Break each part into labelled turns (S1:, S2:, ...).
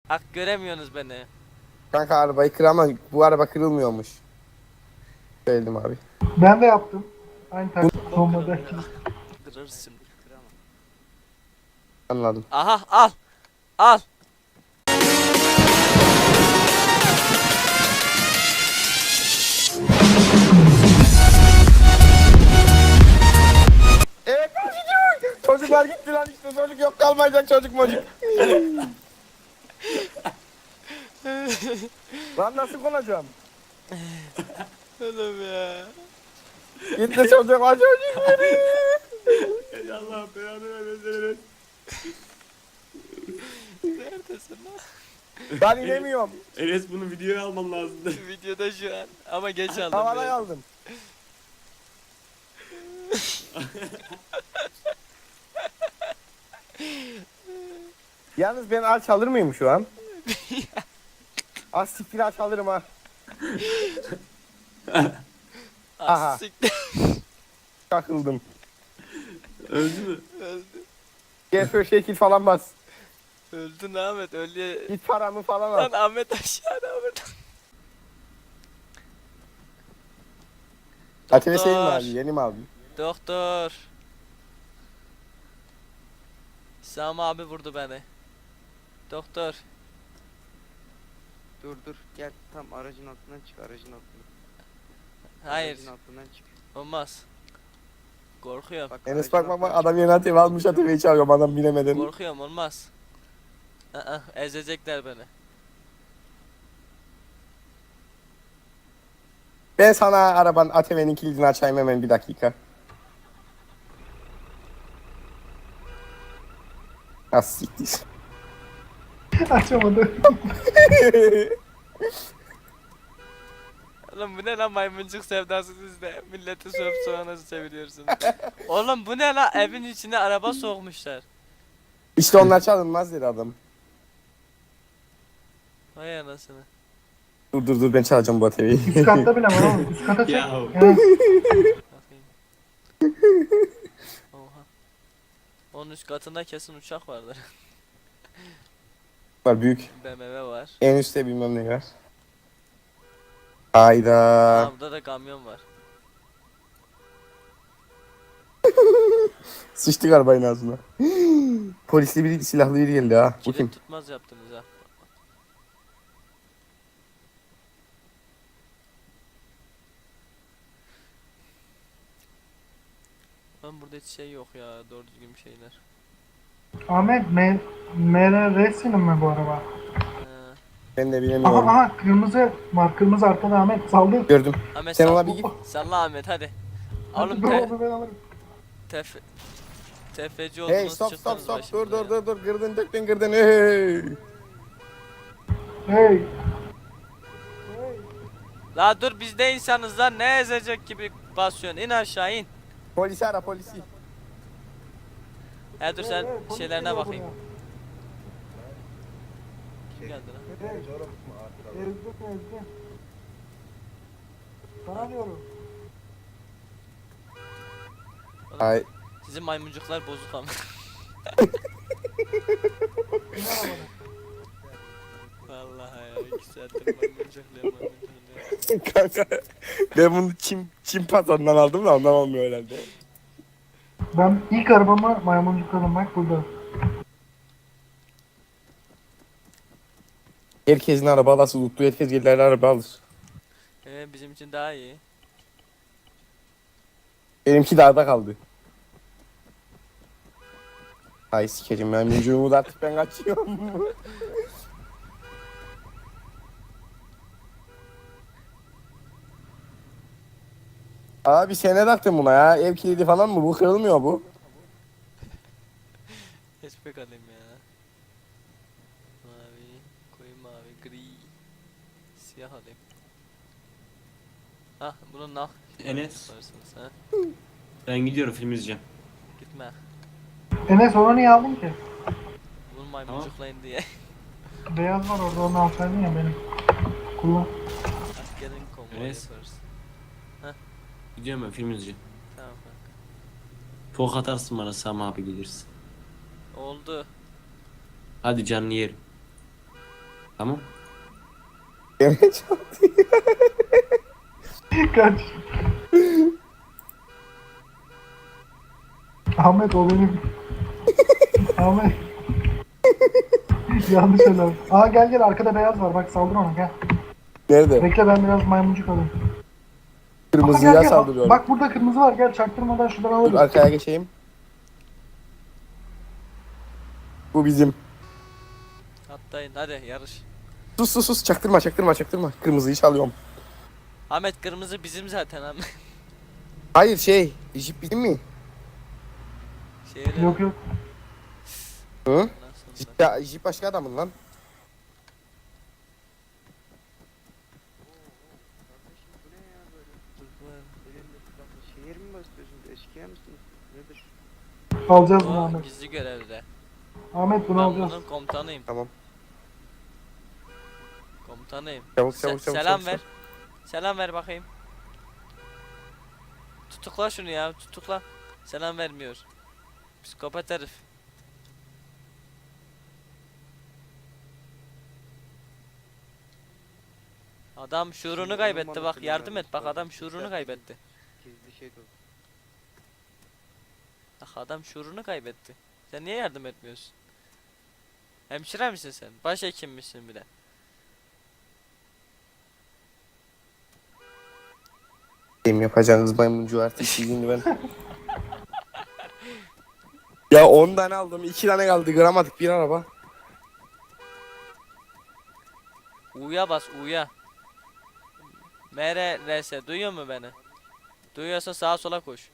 S1: Hak göremiyorsunuz beni.
S2: Kanka arabayı kır ama bu araba kırılmıyormuş. Söyledim abi.
S3: Ben de yaptım. Aynı
S2: Bu-
S3: taktik bombadaki.
S1: Kırırsın. Kıramam.
S2: Anladım.
S1: Aha al. Al.
S2: Evet çocuk. Çocuklar gitti lan işte çocuk yok kalmayacak çocuk mocuk. Lan nasıl konacağım?
S1: Oğlum ya.
S2: Gitti çocuk var çocuk beni.
S4: Ey Allah belanı vermesin.
S1: Neredesin lan?
S2: Ben inemiyorum.
S4: Enes bunu videoya alman lazımdı.
S1: Videoda şu an. Ama geç aldım.
S2: Havada
S1: biraz.
S2: kaldım. Yalnız ben aç alır mıyım şu an? Az siktir aç alırım ha. Aha.
S1: Az siktir.
S2: Kakıldım.
S4: Öldü mü?
S1: Öldü.
S2: Gel şöyle şekil falan bas.
S1: Öldün Ahmet. Öldü.
S2: Git paramı falan
S1: Lan
S2: al.
S1: Ahmet aşağıda Ahmet.
S2: Atene senin mi
S1: Doktor.
S2: abi? Yeni mi abi?
S1: Doktor. Sami abi vurdu beni. Doktor.
S5: Dur gel tam aracın altından çık aracın altından.
S1: Hayır.
S5: Aracın altından çık.
S1: Olmaz. Korkuyorum.
S5: Bak,
S2: Enes
S5: aracın
S2: bak
S5: altından
S2: adam yeni ATV almış ATV'yi çalıyorum adam bilemeden.
S1: Korkuyorum olmaz. Ezecekler beni.
S2: Ben sana arabanın ATV'nin kilidini açayım hemen bir dakika. Az siktir.
S3: Açamadı.
S1: Oğlum bu ne lan maymuncuk sevdası sizde. Milleti sövüp soğana çeviriyorsunuz. Oğlum bu ne lan evin içine araba sokmuşlar.
S2: İşte onlar çalınmaz dedi adam.
S1: Vay anasını.
S2: Dur ben çalacağım bu ATV'yi.
S3: Üst katta bile var oğlum. Üst kata çek.
S4: Ya.
S3: Evet.
S1: Bakayım. Oha. Onun üst katında kesin uçak vardır.
S2: Var büyük.
S1: BMW var.
S2: En üstte bilmem ne var. Hayda.
S1: Aa, burada da kamyon var.
S2: Sıçtık arabanın ağzına. Polisli biri silahlı biri geldi ha. Bu kim?
S1: Kilit tutmaz yaptınız ha. Lan burada hiç şey yok ya doğru düzgün bir şeyler.
S3: Ahmet MRR'sinin mi bu araba?
S2: Ben de
S3: Aha
S2: bilemiyorum.
S3: aha kırmızı var. Kırmızı arkada Ahmet saldı.
S2: Gördüm.
S1: Ahmet
S2: Sen
S1: sal-
S2: ona bir git.
S1: Salla Ahmet hadi.
S3: Hadi
S1: Oğlum
S3: dur onu ben alırım.
S1: tefeci oldunuz
S2: Hey stop
S1: çıktınız
S2: dur
S1: başımıza ya.
S2: dur kırdın döktün kırdın hey.
S3: Hey.
S1: La dur biz de insanız lan ne ezecek gibi basıyorsun in aşağı in.
S2: Polisi ara polisi.
S1: He dur sen
S3: Polis
S1: şeylerine
S3: geliyor
S1: bakayım.
S3: buraya.
S1: Kim geldi lan?
S3: Hey. Ezdim. Sana diyorum.
S2: Ay
S1: Sizin maymuncuklar bozuk ama.
S3: İn arabana.
S1: Vallahi ya 2 saattir maymuncuklar.
S2: kanka ben bunu Çin pazarından aldım da ondan olmuyor herhalde.
S3: Ben ilk arabamı maymuncukladım bak burada.
S2: Herkesin araba alası tuttu herkes gelirler araba alır.
S1: Bizim için daha iyi.
S2: Benimki dağda kaldı. Ay sikerim ben mücuğumu da artık ben kaçıyorum. Abi sen ne taktın buna ya? Ev kilidi falan mı? Bu kırılmıyor bu.
S1: Hiçbir alayım ya. Mavi, koyu mavi, gri, siyah alayım. Hah bunun nah
S4: Enes
S1: yaparsınız ha.
S4: ben gidiyorum film izleyeceğim.
S1: Gitme.
S3: Enes onu niye aldın ki?
S1: Bunu maymuncuklayın diye.
S3: Beyaz var orada onu alsaydın ya benim. Kullan.
S1: Askerin konvoyu
S4: Enes.
S1: yaparız.
S4: Gidiyorum ben film izleyeceğim.
S1: Tamam kanka.
S4: Fok atarsın bana Sami abi gelirsin.
S1: Oldu.
S4: Hadi canlı yerim. Tamam.
S2: Gene çaldı.
S3: Kaç. Ahmet o benim. Ahmet. Yanlış söyledim. Aa gel gel arkada beyaz var bak saldır ona gel.
S2: Nerede?
S3: Bekle ben biraz maymuncuk alayım. Aa, gel,
S2: Kırmızıya
S3: gel.
S2: saldırıyorum.
S3: Bak burada kırmızı var gel çaktırmadan şuradan
S2: Dur
S3: alırız.
S2: arkaya geçeyim. Bu bizim.
S1: Atlayın hadi yarış.
S2: Sus sus sus çaktırma çaktırma çaktırma. Kırmızıyı çalıyorum.
S1: Ahmet kırmızı bizim zaten Ahmet.
S2: Hayır şey. Jip bizim mi?
S1: Şehre
S3: Yok yok.
S2: Hı?
S1: nasıl
S2: Jip, ya, Jip başka adamın lan.
S5: Kardeşim bu ne ya böyle? Elinde silahla şehir mi basıyorsunuz? Eşkıya mısınız? Nedir?
S3: Alacağız bunu
S1: O
S3: Ahmet.
S1: gizli görevde.
S3: Ahmet bunu
S1: Ben
S3: alacağız.
S1: bunun komutanıyım.
S2: Tamam.
S1: Komutanıyım.
S2: Çabuk çabuk çabuk.
S1: Selam
S2: çabuk,
S1: ver.
S2: çabuk.
S1: Selam ver bakayım. Tutukla şunu ya tutukla. Selam vermiyor. Psikopat herif. Adam şuurunu
S5: Şimdi
S1: kaybetti
S5: onun
S1: bak
S5: bana
S1: yardım
S5: selam
S1: et bak
S5: vermiş,
S1: adam
S5: bak,
S1: şuurunu
S5: güzel.
S1: kaybetti.
S5: Gizli şey de oldu.
S1: Bak adam şuurunu kaybetti. Sen niye yardım etmiyorsun? Hemşire misin sen? Başhekim misin bir de?
S2: Benim yapacağınız maymuncu artık şimdi ben. Ya 10 tane aldım 2 tane kaldı kıramadık bir araba.
S1: U'ya bas U'ya. MRS duyuyor mu beni? Duyuyorsa sağa sola koş.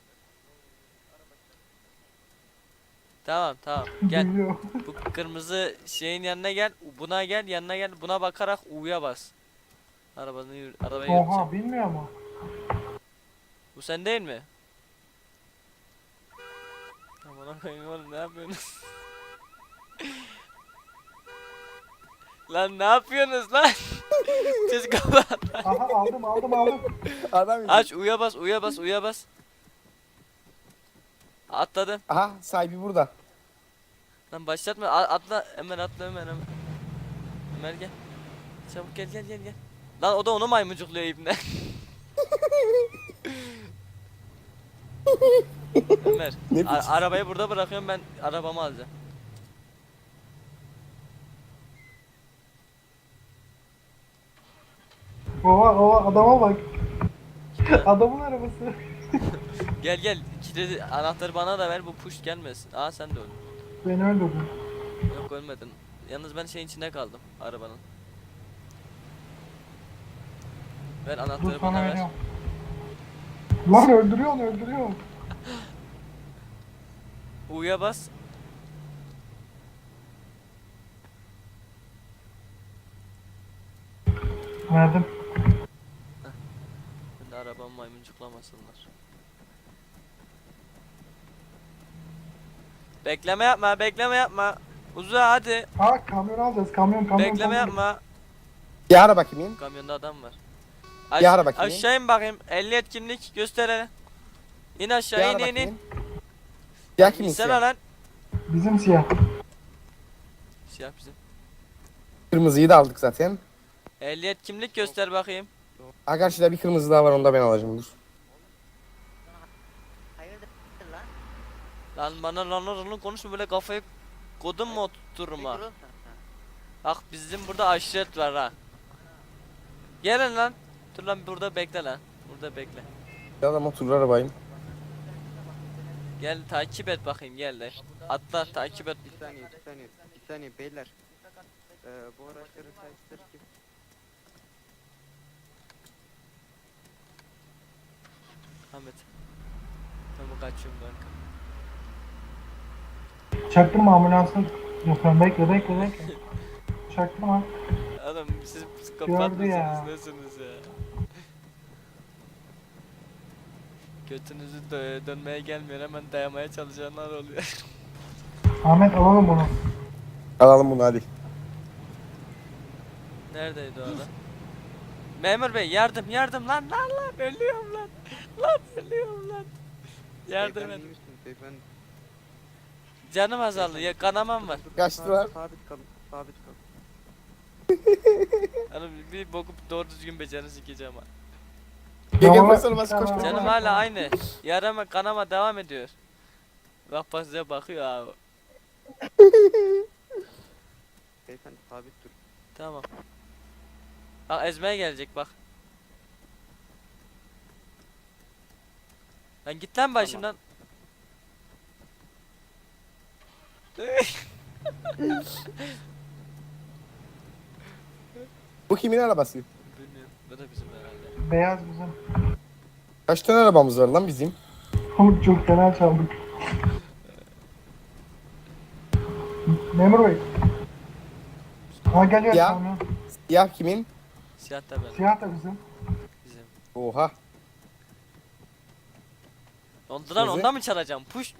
S1: Tamam tamam gel.
S3: Biliyor.
S1: Bu kırmızı şeyin yanına gel. Buna gel yanına gel. Buna bakarak U'ya bas. Arabayı yürüteceğim.
S3: Oha bilmiyor mu?
S1: Bu sen değil mi? Aman koyayım oğlum ne yapıyorsunuz? Lan ne yapıyorsunuz lan? Siz kapat.
S3: Aha aldım aldım aldım.
S2: Adam
S1: Aç U'ya bas U'ya bas U'ya bas. Atladım.
S2: Aha sahibi burada.
S1: Lan başlatma atla hemen atla hemen. Ömer gel. Çabuk gel gel gel gel. Lan o da onu maymuncukluyor ibne. Ömer
S2: Ne biçim?
S1: arabayı burada bırakıyorum ben arabamı alacağım.
S3: Oha oha adama bak. Adamın arabası.
S1: Gel gel kilidi anahtarı bana da ver bu push gelmesin. Aa sen de öl.
S3: Beni öldürdün.
S1: Yok ölmedin. Yalnız ben şeyin içinde kaldım arabanın. Ver
S3: Dur
S1: anahtarı
S3: sana
S1: bana ver.
S3: veriyorum. Lan öldürüyorsun öldürüyorsun.
S1: U'ya bas.
S3: Verdim.
S1: Ben de arabamı maymuncuklamasınlar. Bekleme yapma bekleme yapma. Uza hadi.
S3: Aa kamyon alacağız kamyon.
S1: Bekleme yapma.
S2: Bir ara bakayım.
S1: Kamyonda adam var.
S2: Bir ara bakayım.
S1: Aşağı in bakayım. 50 etkinlik göster hele. İn
S2: Bir
S1: aşağı
S2: ara
S1: in in
S2: bakayım.
S1: in.
S2: Ya kimin
S1: İnsene
S2: siyah?
S1: lan.
S3: Bizim siyah.
S1: Siyah bizim.
S2: Kırmızıyı da aldık zaten.
S1: 50 kimlik göster bakayım.
S2: Ha karşıda bir kırmızı daha var onu da ben alacağım dur.
S5: Hayırdır lan?
S1: Lan bana lan konuşma böyle kafayı kodum mu oturtturma. Bak bizim burada aşiret var ha. Gelin lan. Dur lan burada bekle lan. Burada bekle.
S2: Ya da motorlu arabayım.
S1: Gel takip et bakayım gel de. Atla takip et.
S5: Bir saniye bir saniye beyler. Bu araçların sahipleri kim?
S1: Ahmet. Tamam kaçıyorum kanka.
S3: Çaktırma ambulansın. Yok ben bekle. Çaktırma.
S1: Adam siz psikopat
S3: Gördü ya.
S1: mısınız nesiniz ya? Götünüzü dönmeye gelmiyor hemen dayamaya çalışanlar oluyor.
S3: Ahmet alalım bunu.
S2: Alalım bunu hadi.
S1: Neredeydi o adam? Memur bey yardım lan ölüyorum lan. Lan ölüyorum lan. Yardım
S5: Beyefendi,
S1: et.
S5: iyi misiniz beyefendi?
S1: Canım azaldı ya kanamam var.
S2: Kaçtılar.
S5: Sabit kalın sabit kalın.
S1: Hani bir boku doğru düzgün becerini sikeceğim ha.
S2: Gel
S3: Tamam,
S2: basar bas koş koş.
S3: tamam.
S1: Canım hala aynı. Yarama kanama devam ediyor. Bak bak size bakıyor abi.
S5: Beyefendi sabit dur.
S1: Tamam. Bak ezmeye gelecek bak. Lan git lan başımdan.
S2: Bu kimin arabası?
S1: Bilmiyorum. Bu da bizim herhalde.
S3: Beyaz bizim.
S2: Kaç tane arabamız var lan bizim?
S3: Oğlum çok fena çaldık. Memur Bey. Ha geliyor
S2: Ya.
S3: kamyon.
S2: Siyah kimin?
S1: Siyah da benim.
S3: Siyah da bizim.
S1: Bizim.
S2: Oha.
S1: Ondan
S2: Bizi-
S1: ondan mı çalacağım? Puşt.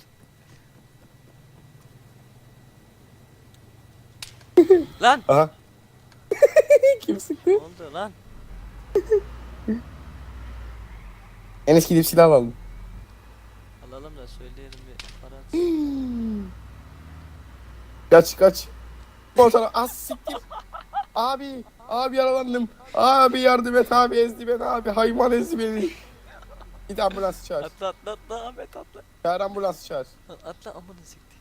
S1: Lan.
S2: Aha. Kim sıktı?
S1: Ne oldu lan?
S2: Enes gidip silah alalım.
S1: Alalım da söyleyelim bir para.
S2: Kaç kaç. Motor az siktir. Abi. Abi yaralandım. Abi yardım et abi ezdi beni abi. Hayvan ezdi beni. Git ambulans çağır.
S1: Atla atla atla Ahmet atla.
S2: Çağır ambulans çağır.
S1: Lan atla amına sikti.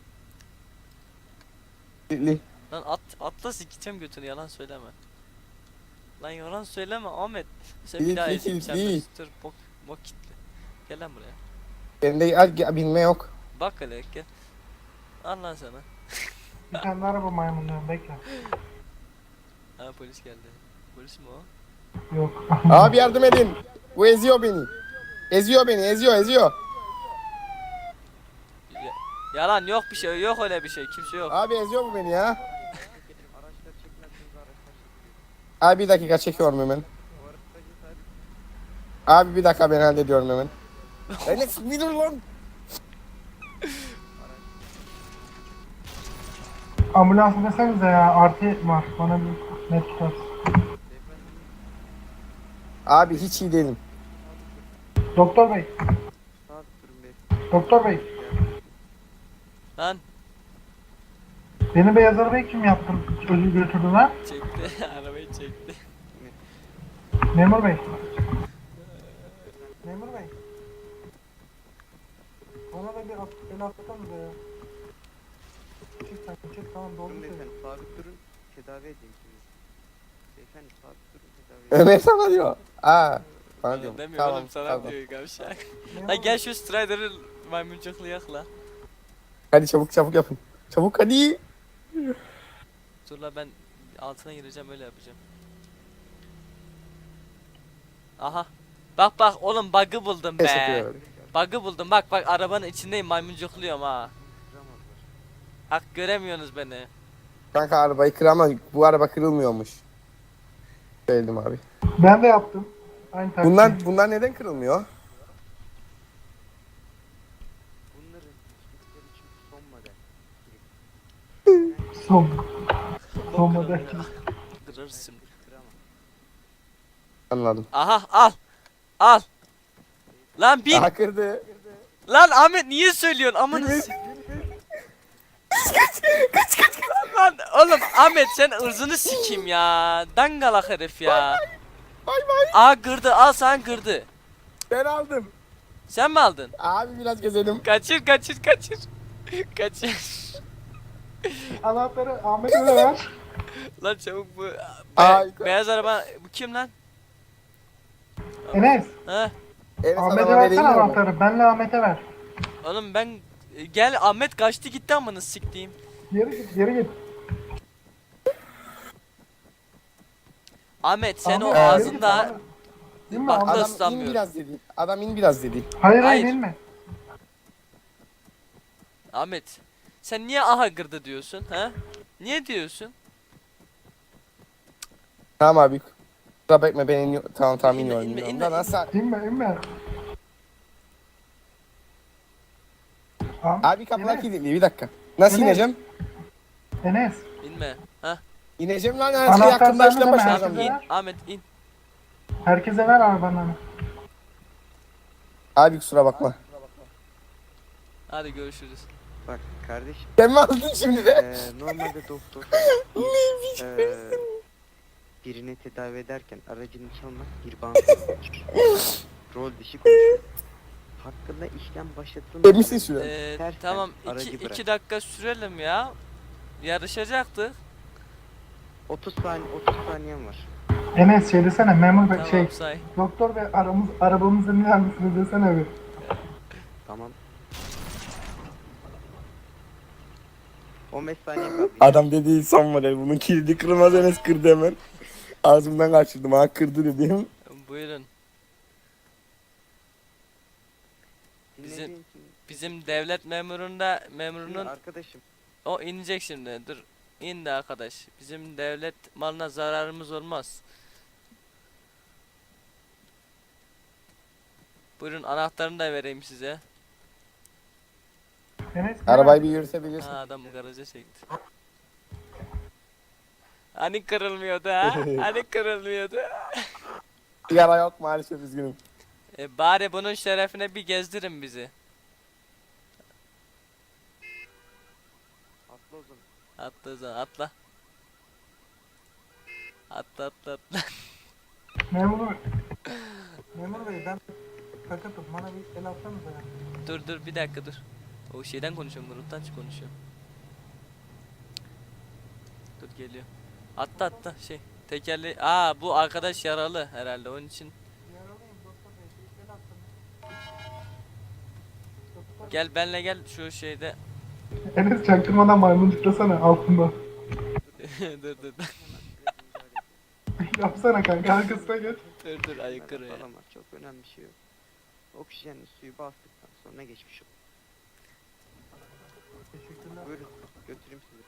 S2: Li.
S1: Lan atla sikeceğim götünü yalan söyleme. Lan yalan söyleme Ahmet. Sen bir
S2: Değil,
S1: daha
S2: değil,
S1: ezeyim sen
S2: değil.
S1: dur bok kitle. Gel lan buraya.
S2: Bende bilme yok.
S1: Bak hele gel. Al lan sana.
S3: Bir tane araba maymunluyorum bekle.
S1: Ha polis geldi. Polis mi o?
S3: Yok.
S2: Abi yardım edin. Bu eziyor beni. Eziyor beni eziyor.
S1: Yalan yok bir şey yok öyle bir şey kimse yok.
S2: Abi eziyor bu beni ya.
S5: Araçlar çekmezseniz araçlar çekiliyor.
S2: Abi bir dakika çekiyorum hemen.
S5: O araçtaki sabit.
S2: Abi bir dakika ben hallediyorum hemen. Enes bir dur lan.
S3: Ambulans desenize ya artı var. Bana bir net tutarsın.
S5: Beyefendi
S2: Abi hiç iyi değilim.
S3: Doktor Bey.
S5: sabit durun beyefendi.
S3: Doktor Bey.
S1: Lan
S3: Beni beyaz arabayı kim yaptı? Özür götürdü lan.
S1: çekti arabayı çekti.
S3: Memur Bey. Memur Bey. Bana da bir el atsanıza ya. Çık sen çık tamam doğru
S5: Durun
S3: söylüyorsun.
S5: beyefendi sabit durun. Tedavi edeyim sizi. Beyefendi sabit durun tedavi edeyim.
S2: Ömer sana diyor. Aa. Bana
S1: Bana
S2: diyorum.
S1: demiyor
S2: Tamam
S1: oğlum sana
S2: tamam.
S1: diyor gavşak.
S3: Memur
S1: Ha
S3: Bey.
S1: gel şu Strider'ı maymuncuklu la.
S2: Hadi çabuk yapın. Çabuk hadi.
S1: Dur la ben altına gireceğim öyle yapacağım. Aha. Bak oğlum bug'ı buldum be.
S2: Teşekkür
S1: Bug'ı buldum bak arabanın içindeyim maymuncukluyorum ha.
S5: Kıramazlar.
S1: Hak göremiyorsunuz beni.
S2: Kanka arabayı kır ama bu araba kırılmıyormuş. Söyledim abi.
S3: Ben de yaptım. Aynı taktik.
S2: Bunlar neden kırılmıyor?
S5: Bunların hiçbirleri için son model.
S3: Son. Son model.
S1: Kırırsın.
S5: Kıramam.
S2: Anladım.
S1: Aha al. Lan bin.
S2: Aha kırdı.
S1: Lan Ahmet niye söylüyorsun amanı kaç. Lan oğlum Ahmet sen ırzını sikeyim ya. Dangalak herif ya.
S2: Bay bay.
S1: Aa kırdı al sen kırdı.
S2: Ben aldım.
S1: Sen mi aldın?
S2: Abi biraz gezelim.
S1: Kaçır. Kaçır.
S3: Anahtarı Ahmet'e de ver.
S1: Lan çabuk bu.
S2: Ay,
S1: Beyaz araba bu kim lan?
S3: Enes.
S1: Ha?
S2: Enes
S3: Ahmet'e
S2: araba vereyim
S3: versene
S2: mi?
S3: anahtarı. Benle Ahmet'e ver.
S1: Oğlum ben gel Ahmet kaçtı gitti amına siktiğim.
S3: Geri git.
S1: Ahmet sen o
S3: Ahmet, geri git,
S1: ağzında
S3: Ahmet. Değil mi
S1: Bak,
S3: Ahmet?
S2: Adam in
S1: ıslanmıyor.
S2: biraz dedi. Adam in biraz dedi.
S3: Hayır
S1: Hayır.
S3: inme.
S1: Ahmet sen niye aha kırdı diyorsun ha? Niye diyorsun?
S2: Tamam abi. Kusura bakma ben iniyorum. Tamam
S1: İnme,
S2: iniyorum.
S1: inme,
S2: iniyorum.
S1: inme,
S2: Da nasıl?
S3: İnme.
S2: Abi kapılar
S3: Enes,
S2: kilitli bir dakika. Nasıl
S3: Enes.
S2: ineceğim?
S3: Enes.
S1: İnme. Ha?
S2: İneceğim lan her
S3: Anahtar
S2: şeyi hakkında
S3: sende
S2: işlem
S3: mi?
S2: başlayacağım.
S3: Herkese
S1: İn
S3: ver.
S1: Ahmet in.
S3: Herkese ver arabanı.
S2: Abi kusura bakma.
S1: Hadi görüşürüz.
S5: Bak kardeşim.
S2: Sen mi aldın şimdi de?
S5: Normalde doktor. birini tedavi ederken aracını çalmak bir bankadır. Rol dışı konuşuyor. Hakkında işlem başlatılmadan
S2: Eminsin şu an.
S5: tersten
S1: Tamam
S5: aracı
S1: 2
S5: bırak.
S1: dakika sürelim ya. Yarışacaktık.
S5: 30 saniyem var.
S3: Enes şey desene memur bey
S1: Tamam say.
S3: doktor bey arabamıza iner misiniz desene bir.
S5: Tamam. 15 saniye kaldı.
S2: Adam dediği son model. Bunun kilidi kırmaz, Enes kırdı hemen. Ağzımdan kaçırdım. Ha kırdı dedim.
S1: Buyurun.
S5: Dinlediğin için
S1: Bizim devlet memurunda
S5: şimdi
S1: memurunun
S5: arkadaşım
S1: o inecek şimdi. Dur. İn de arkadaş. Bizim devlet malına zararımız olmaz. Buyurun anahtarını da vereyim size.
S3: Enes
S2: Arabayı bir yürütebilirsin.
S1: Ha adam garaja çekti. Hani kırılmıyordu ha? Hani kırılmıyordu?
S2: Sigara yok maalesef, üzgünüm.
S1: Bari bunun şerefine bir gezdirin bizi.
S5: atla o zaman.
S1: Atla o zaman atla. Atla atla atla.
S3: memur bey ben sakatım bana bir el atsanıza ya.
S1: Dur bir dakika dur. O şeyden konuşuyorum, gruptan konuşuyorum. Dur geliyor. Atla şey. Tekerli. Aa bu arkadaş yaralı herhalde onun için.
S3: Yaralıyım doktor bey bir el atsanıza. Doktor
S1: Gel benle gel şu şeyde.
S3: Enes çaktırmadan maymun tıklasana altında.
S1: dur.
S3: Yapsana kanka arkasına geç.
S1: Dur aykırı ya.
S5: Falan var. Çok önemli bir şey yok. Oksijenli suyu bastıktan sonra geçmiş olur.
S3: Teşekkürler.
S5: Buyurun götüreyim sizi.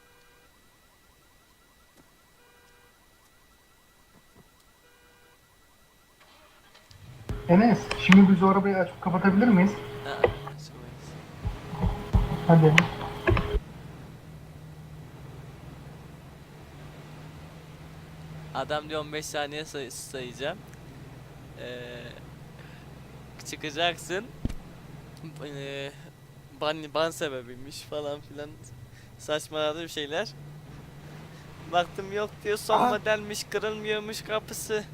S3: Enes şimdi biz o arabayı açıp kapatabilir miyiz?
S1: Ha, açamayız.
S3: Hadi.
S1: Adam diyor 15 saniye sayacağım. Çıkacaksın. Ban sebebiymiş falan filan. Saçmaladı bir şeyler. Baktım yok diyor son
S2: Aa.
S1: modelmiş, kırılmıyormuş kapısı.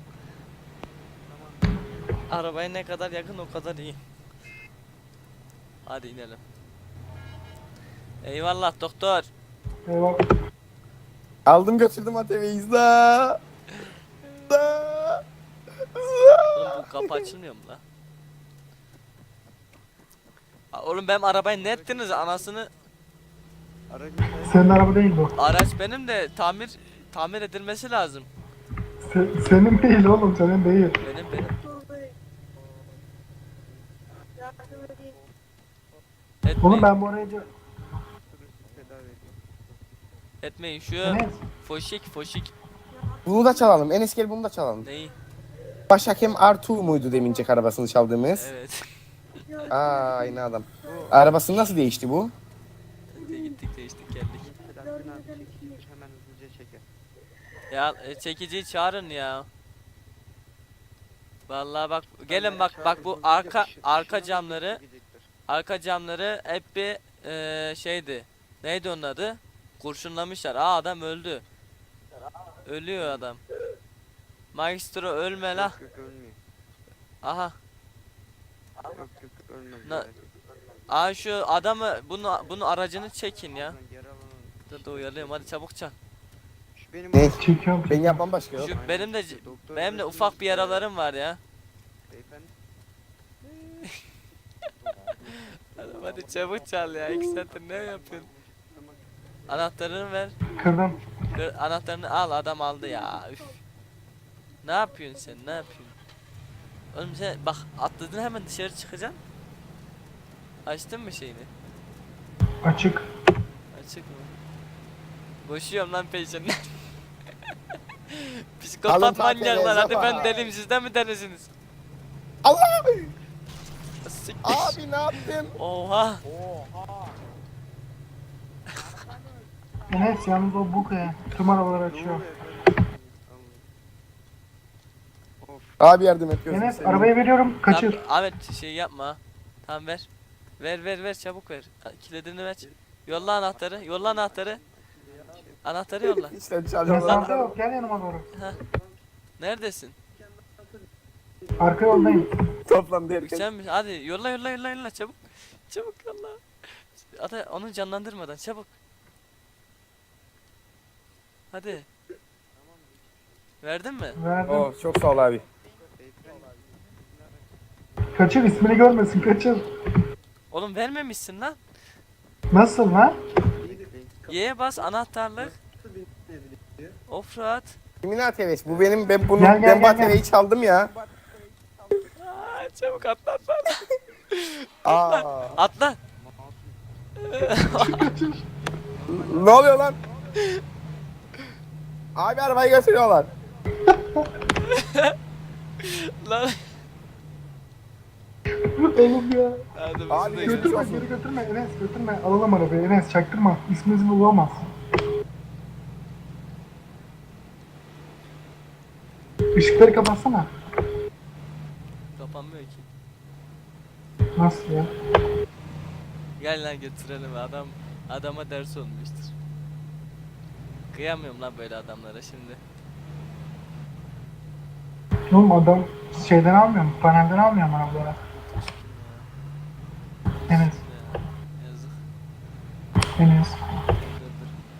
S1: Arabaya ne kadar yakın o kadar iyi. Hadi inelim. Eyvallah doktor.
S3: Eyvallah.
S2: Aldım götürdüm ATV'yi. İzla.
S1: Oğlum bu kapı açılmıyor mu la? Oğlum benim arabayı ne ettiniz anasını?
S5: Aracın
S3: Senin araba değil bu.
S1: Araç benim de tamir edilmesi lazım.
S3: Senin değil oğlum senin değil.
S1: Benim.
S3: Oğlum
S1: Etmeyin,
S3: ben bu arayı
S5: tedavi ediyor.
S1: etmeyin şu
S3: Enes
S1: foşik
S2: Bunu da çalalım. Enes gel bunu da çalalım.
S1: neyi?
S2: Başhakem R2 muydu demincek arabasını çaldığımız?
S1: Evet.
S2: Aa aynı adam. Arabasını nasıl değişti bu?
S1: Gittik değiştik geldik.
S5: Selahattin abi çekilir hemen hızlıca çeker.
S1: Ya çekiciyi çağırın ya. Vallahi bak gelin bak bu arka camları hep bir şeydi. Neydi onun adı? Kurşunlamışlar. Aa adam öldü. Ölüyor adam. Maestro ölme la.
S5: Yok ölmüyor.
S1: Aha.
S5: Yok ölmez.
S1: Na-
S5: merak etme.
S1: Aa şu adamı bunu aracını çekin ya.
S5: Buradan geri alalım.
S1: Dur uyalıyorum hadi çabuk çal.
S5: Şu benim
S2: Ne?
S3: çekiyorum.
S2: Ben yapmam başka yok.
S1: Şu
S5: Aynen.
S1: benim de
S5: Doktor
S1: benim de
S5: resmi-
S1: ufak bir yaralarım var ya.
S5: Beyefendi.
S1: Hadi çabuk çal ya. 2 saattir ne yapıyorsun? Anahtarını ver.
S3: Kırdım.
S1: Anahtarını al adam aldı ya. Üf. Ne yapıyorsun sen? Ne yapıyorsun? Oğlum sen bak atladın hemen dışarı çıkacaksın. Açtın mı şeyini?
S3: Açık.
S1: Açık mı? Koşuyorum lan peşinden.
S2: Alın
S1: Psikopat
S2: tahtaya,
S1: manyaklar hadi ben
S2: Zapa.
S1: deliyim siz de mi delisiniz?
S2: Allah!
S1: Siktir.
S2: Abi ne yaptın?
S1: Oha.
S3: Enes yalnız o bu ya. Tüm arabaları
S5: Ne
S3: açıyor.
S5: oluyor efendim? Of.
S2: Abi yardım et gözünü
S3: Enes
S2: seveyim.
S3: arabayı veriyorum kaçır.
S1: Tamam, Ahmet şey yapma. Tamam ver. Ver çabuk ver. Kilidini ver. Yolla anahtarı. Anahtarı yolla.
S2: İşte çalıyorlar.
S3: Mesafte yok, gel yanıma doğru.
S1: Neredesin?
S3: Arka yoldayım.
S2: Toplandı herkes.
S1: Sen mi? Hadi yolla çabuk. Çabuk yolla. Hadi onu canlandırmadan çabuk. Hadi. Verdin mi?
S3: Verdim.
S2: Oo, çok sağ ol abi.
S3: Kaçır, ismini görmesin, kaçır.
S1: Oğlum vermemişsin lan.
S3: Nasıl lan?
S1: Y'ye bas anahtarlık. Offroad.
S2: Kimin ATV'si? Bu benim, ben bunu,
S3: Gel, gel,
S2: ben bu
S3: gel, gel.
S2: ATV'yi çaldım ya.
S1: Çabuk atla.
S2: Aa.
S1: Atla.
S2: Ne oluyor lan? Abi arabayı götürüyorlar.
S1: Lan.
S3: Oğlum ya.
S1: Hadi biz
S2: Abi,
S1: de
S2: götür.
S1: gidelim.
S3: Götürme, geri götürme Enes, götürme. Alalım arabayı Enes, çaktırma. İsmimizi bulamaz. Işıkları kapatsana.
S1: Kapanmıyor ki.
S3: Nasıl ya?
S1: Gel lan götürelim adama ders olmuştur. Kıyamıyorum lan böyle adamlara şimdi.
S3: Oğlum adam şeyden almıyor mu? Panelden almıyor mu arabaları? Enes,
S1: Ya, yazık.
S3: Enes.
S1: Dur.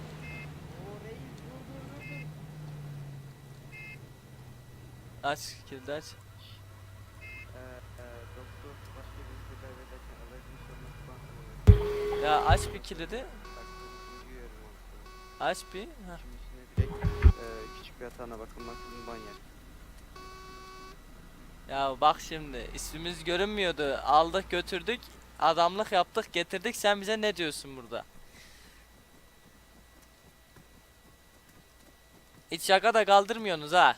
S1: Aç kilidi aç.
S5: Doktor başka bir tedavi ederken aracın sorması
S1: Ya aç bir kilidi.
S5: duyuyorum.
S1: Aç bir. Heh.
S5: Şimdi direkt küçük bir hatana bakılmaksızın banyer.
S1: Ya bak şimdi ismimiz görünmüyordu. Aldık götürdük. Adamlık yaptık getirdik. Sen bize ne diyorsun burada? Hiç şaka da kaldırmıyorsunuz ha.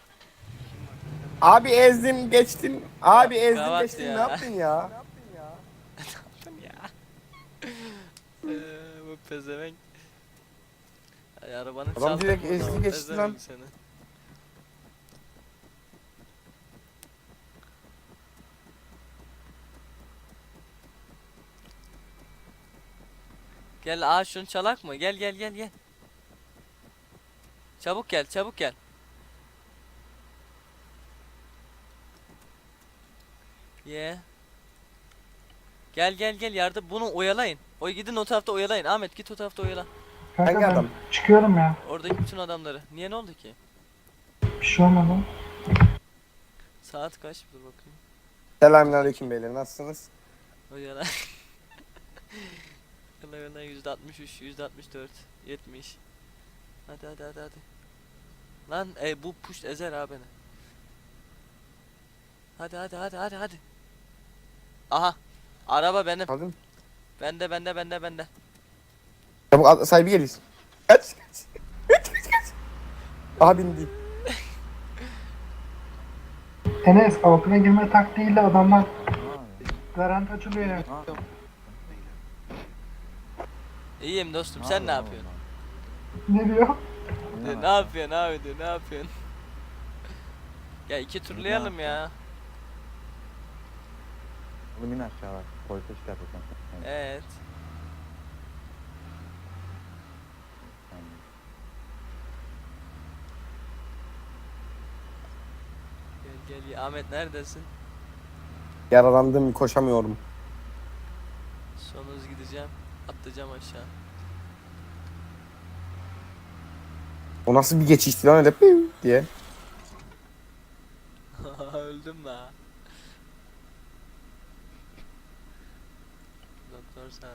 S2: Abi ezdim geçtim. Abi ezdim
S1: Kavat
S2: geçtim.
S1: ya.
S2: Ne yaptın ya?
S1: Ya. Bu pezevenk. Ay, arabanın
S2: Adam
S1: çaldık
S2: direkt
S1: burada,
S2: ezdi geçti
S1: pezevenk
S2: lan.
S1: seni. Gel şunu çalak mı? Gel. Çabuk gel. Ye. Gel yardım bunu oyalayın. Gidin o tarafta oyalayın. Ahmet git o tarafta oyala.
S3: Kanka
S2: Hangi
S3: ben
S2: adam?
S3: çıkıyorum ya.
S1: Oradaki bütün adamları. Niye ne oldu ki?
S3: Bir şey olmadı.
S1: Saat kaç? Dur bakayım.
S2: Selamünaleyküm beyler, nasılsınız?
S1: Oyala. Oyala %63, %64, 70. Hadi. Lan bu push ezer abi beni. Hadi. Aha. Araba benim.
S2: Aldın mı?
S1: Bende.
S2: Çabuk sahibi geliyor. Kaç. Aha bindi.
S3: Enes altına girme taktiğiyle adamlar garanti açılıyor ya.
S1: İyiyim dostum sen ne yapıyorsun?
S3: Ne diyor?
S1: Ne yapıyorsun abi diyor ne yapıyorsun? Ya iki turlayalım ya.
S6: Oğlum in aşağı bak. Polise şey yapacağım.
S1: Evet. Gel Ahmet neredesin?
S2: Yaralandım, koşamıyorum.
S1: Son hız gideceğim. Atlayacağım aşağı.
S2: O nasıl bir geçişti lan öyle piu diye.
S1: Öldüm la. Doktor sana.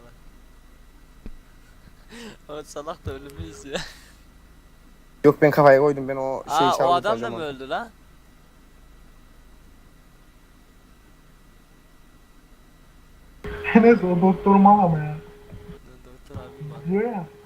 S1: O salak da ölümü izliyor.
S2: Yok ben kafaya koydum, ben o şeyi
S1: Aa
S2: çaldım.
S1: o adam da
S2: sadece
S1: mı
S2: ama.
S1: öldü la?
S3: Enes o doktor mal ama ya.
S1: Doktor abim var.
S3: Diyor ya.